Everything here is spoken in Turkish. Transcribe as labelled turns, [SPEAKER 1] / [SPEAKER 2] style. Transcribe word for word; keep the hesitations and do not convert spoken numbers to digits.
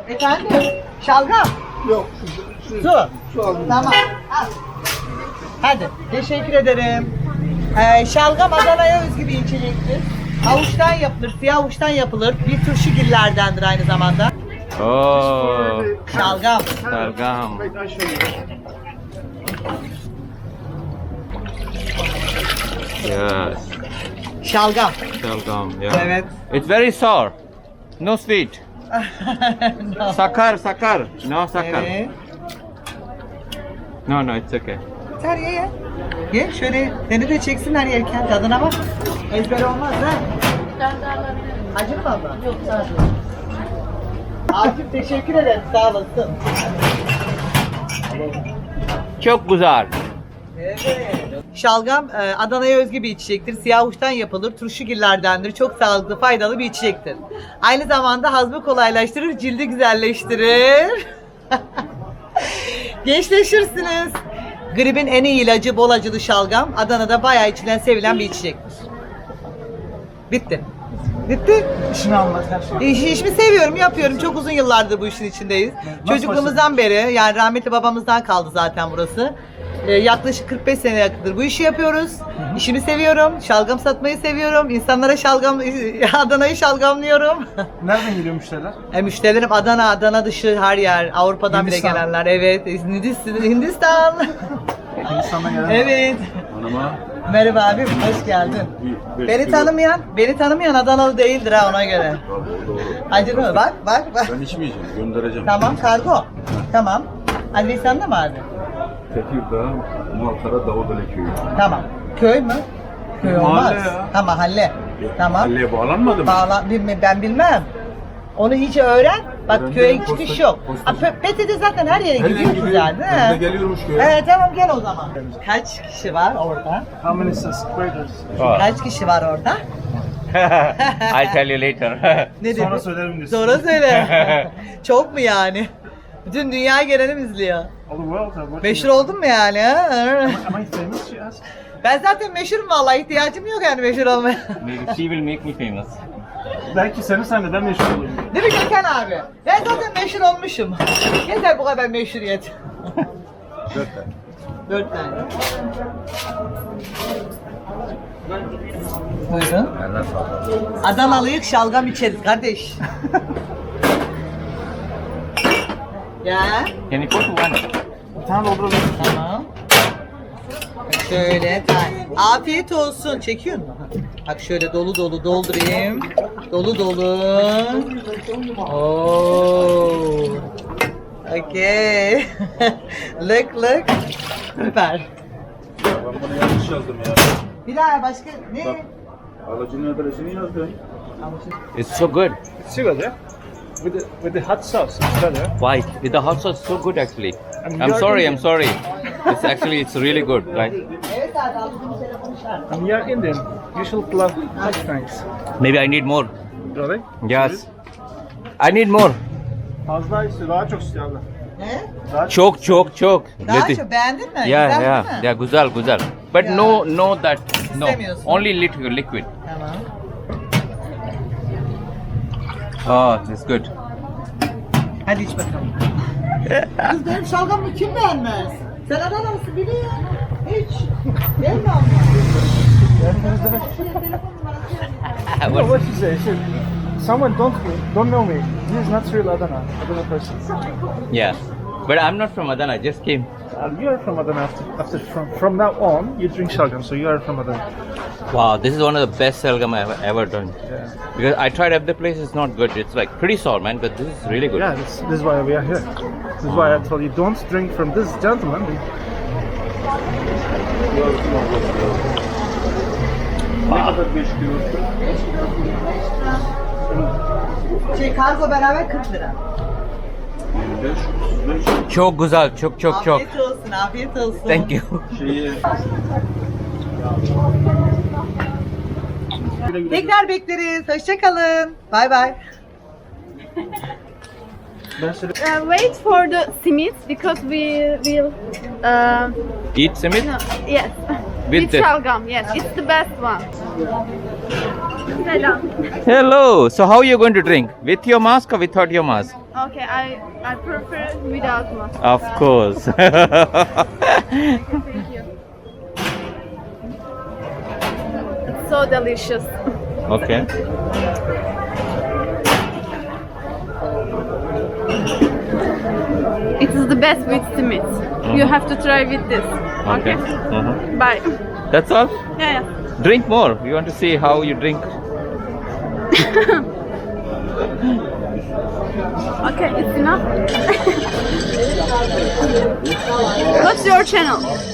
[SPEAKER 1] Efendim? Şalgam.
[SPEAKER 2] Yok.
[SPEAKER 1] Su.
[SPEAKER 2] Su aldım.
[SPEAKER 1] Tamam. Al. Hadi. Teşekkür ederim. Ee, şalgam Adana'ya özgü bir içecektir. Havuçtan yapılır, siyah havuçtan yapılır. Bir turşu gillerdendir aynı zamanda.
[SPEAKER 3] Oh,
[SPEAKER 1] Şalgam.
[SPEAKER 3] şalgam.
[SPEAKER 2] Wait, I'll show you.
[SPEAKER 3] Yes,
[SPEAKER 1] Şalgam.
[SPEAKER 3] şalgam. Yeah.
[SPEAKER 1] Evet.
[SPEAKER 3] It's very sour. No sweet.
[SPEAKER 1] No.
[SPEAKER 3] Sakar, sakar. No sakar.
[SPEAKER 1] Evet.
[SPEAKER 3] No, no, it's okay.
[SPEAKER 1] Yeter ye ye. Ye şöyle seni de çeksinler yerken tadına bak. Ezber olmaz ha. Acı mı abla? Yok sağ ol. Akif teşekkür ederim sağ olasın.
[SPEAKER 3] Çok güzel.
[SPEAKER 1] Evet. Şalgam e, Adana'ya özgü bir içecektir. Siyah uçtan yapılır. Turşugillerdendir. Çok sağlıklı, faydalı bir içecektir. Aynı zamanda hazmı kolaylaştırır, cildi güzelleştirir. Gençleşirsiniz. Gripin en iyi ilacı bol acılı şalgam. Adana'da bayağı içilen, sevilen bir içecektir. Bitti. Bitti.
[SPEAKER 2] İşini almaz her şey.
[SPEAKER 1] İş, işimi seviyorum, yapıyorum. Çok uzun yıllardır bu işin içindeyiz.
[SPEAKER 2] Nasıl
[SPEAKER 1] Çocukluğumuzdan beri, yani rahmetli babamızdan kaldı zaten burası. Ee, yaklaşık kırk beş sene yakındır bu işi yapıyoruz. İşimi seviyorum, şalgam satmayı seviyorum. İnsanlara şalgam, Adana'yı şalgamlıyorum.
[SPEAKER 2] Nereden geliyor müşteriler?
[SPEAKER 1] e, müşterilerim Adana, Adana dışı her yer. Avrupa'dan
[SPEAKER 2] Hindistan.
[SPEAKER 1] bile gelenler. Evet, Hindistan. Hindistan.
[SPEAKER 2] İnsana gelen.
[SPEAKER 1] Evet.
[SPEAKER 4] Hanıma
[SPEAKER 1] Merhaba abim, hoş geldin.
[SPEAKER 4] bir-
[SPEAKER 1] Beni
[SPEAKER 4] bir-
[SPEAKER 1] tanımayan, beni tanımayan Adanalı değildir ha ona göre. Acı mı? Bak, bak, bak.
[SPEAKER 4] Ben içmeyeceğim, göndereceğim.
[SPEAKER 1] Tamam, kargo. Tamam. Adresan da mı abi?
[SPEAKER 4] Tekirdağ, Malkara, Davudeli köyü.
[SPEAKER 1] Tamam. Köy mü? Köy olmaz.
[SPEAKER 4] Mahalle ya.
[SPEAKER 1] Ha mahalle. Tamam.
[SPEAKER 4] Mahalleye bağlanmadı mı?
[SPEAKER 1] Bağla, bilme, ben bilmem. Onu iyice öğren. Bak
[SPEAKER 4] Öğrendim.
[SPEAKER 1] köye
[SPEAKER 4] Posta-
[SPEAKER 1] çıkış yok.
[SPEAKER 4] postacı.
[SPEAKER 1] Ha, P- P T T zaten her yere
[SPEAKER 4] Her yere
[SPEAKER 1] gidiyor
[SPEAKER 4] gidiyor.
[SPEAKER 1] zaten.
[SPEAKER 4] Ben de
[SPEAKER 1] he.
[SPEAKER 4] geliyormuş köye.
[SPEAKER 1] Evet tamam gel o zaman. Kaç kişi var orada?
[SPEAKER 2] How many subscribers?
[SPEAKER 1] Kaç kişi var orada?
[SPEAKER 3] I'll tell you later.
[SPEAKER 1] Ne
[SPEAKER 2] Sonra
[SPEAKER 1] dedi?
[SPEAKER 2] söylerim diyorsun.
[SPEAKER 1] Sonra söyle. Çok mu yani? Bütün dünya gelenim izliyor.
[SPEAKER 2] All the world are watching.
[SPEAKER 1] Meşhur oldun mu yani? Ha?
[SPEAKER 2] Am I famous? She asked.
[SPEAKER 1] Ben zaten meşhurum vallahi ihtiyacım yok yani meşhur olmaya.
[SPEAKER 3] Maybe she will make me famous.
[SPEAKER 2] Belki seni sen ben meşhur olayım.
[SPEAKER 1] Değil mi Gökhan abi? Ben zaten meşhur olmuşum. Yeter bu kadar meşhuriyet.
[SPEAKER 4] Dört tane.
[SPEAKER 1] Dört tane. Buyurun.
[SPEAKER 4] Eline sağlık.
[SPEAKER 1] Adanalıyık şalgam içeriz kardeş. Ya.
[SPEAKER 3] Can you put one?
[SPEAKER 2] Bir tane dolduralım.
[SPEAKER 1] Tamam. Şöyle. ta- Afiyet olsun. Çekiyor mu? Bak şöyle dolu dolu doldurayım. Dolu dolu. Oo. Okay. Look look. Süper.
[SPEAKER 4] Ben bunu yanlış yazdım ya.
[SPEAKER 1] Bir daha başka ne?
[SPEAKER 4] Bak. Alıcının adresini yazdım.
[SPEAKER 3] It's so good.
[SPEAKER 2] It's good, yeah? With the, with the hot sauce, it's better.
[SPEAKER 3] Why? With the hot sauce, so good actually.
[SPEAKER 2] And
[SPEAKER 3] I'm
[SPEAKER 2] you're
[SPEAKER 3] sorry,
[SPEAKER 2] Indian.
[SPEAKER 3] I'm sorry. It's actually, it's really good. Like
[SPEAKER 1] Evet abi aldığım telefonu şart.
[SPEAKER 2] And you're Indian. You should love hot things.
[SPEAKER 3] maybe I need more.
[SPEAKER 2] Really?
[SPEAKER 3] Yes. I need more.
[SPEAKER 2] Fazla istiyor, daha çok istiyor abla.
[SPEAKER 1] Ne?
[SPEAKER 2] Daha
[SPEAKER 3] Çok çok çok.
[SPEAKER 1] Daha
[SPEAKER 3] Let it-
[SPEAKER 1] çok beğendin mi?
[SPEAKER 3] Yeah,
[SPEAKER 1] Güzel
[SPEAKER 3] yeah,
[SPEAKER 1] değil mi?
[SPEAKER 3] yeah. Güzel, güzel. But
[SPEAKER 1] Yeah.
[SPEAKER 3] no, no that. No.
[SPEAKER 1] İstemiyorsun.
[SPEAKER 3] Only liquid, liquid.
[SPEAKER 1] Tamam.
[SPEAKER 3] Oh, it's good.
[SPEAKER 1] Hadi iç bakalım. Kız benim şalgamımı kim beğenmez? Sen Adanalısın biliyor. Hiç. Değil mi abla?
[SPEAKER 2] You know what she said? She, someone don't don't know me. This is not real Adana, Adana person.
[SPEAKER 3] Yeah. But I'm not from Adana. I just came.
[SPEAKER 2] Uh, you are from Adana. After, after from from now on, you drink shalgam, so you are from Adana.
[SPEAKER 3] Wow, this is one of the best salgam I've ever done.
[SPEAKER 2] Yeah.
[SPEAKER 3] Because I tried every place, it's not good. It's like pretty sour, man. But this is really good.
[SPEAKER 2] Yeah, this, this is why we are here. This is why I told you don't drink from this gentleman.
[SPEAKER 4] Ne kadar beş kilo?
[SPEAKER 1] Şey kargo beraber kırk lira.
[SPEAKER 4] yirmi beş, otuz beş.
[SPEAKER 3] Çok güzel, çok çok çok.
[SPEAKER 1] Afiyet olsun, afiyet olsun.
[SPEAKER 3] Thank you.
[SPEAKER 4] Şeyi
[SPEAKER 1] Tekrar bekleriz. Hoşça kalın. Bay bay.
[SPEAKER 2] Ben söyle.
[SPEAKER 5] Uh, wait for the simit because we will. Uh,
[SPEAKER 3] Eat simit?
[SPEAKER 5] no, yes.
[SPEAKER 3] With
[SPEAKER 5] With
[SPEAKER 3] the-
[SPEAKER 5] shalgam, yes, it's the best one. Selam.
[SPEAKER 3] Hello. So how are you going to drink? With your mask or without your mask?
[SPEAKER 5] Okay, I I prefer without mask.
[SPEAKER 3] Of course.
[SPEAKER 5] Thank you. It's so delicious.
[SPEAKER 3] Okay.
[SPEAKER 5] It is the best with Smith. You have to try with this.
[SPEAKER 3] Okay.
[SPEAKER 5] Okay.
[SPEAKER 3] Mhm.
[SPEAKER 5] Bye.
[SPEAKER 3] That's all.
[SPEAKER 5] Yeah, yeah.
[SPEAKER 3] Drink more. We want to see how you drink.
[SPEAKER 5] Okay, it's enough. What's your channel?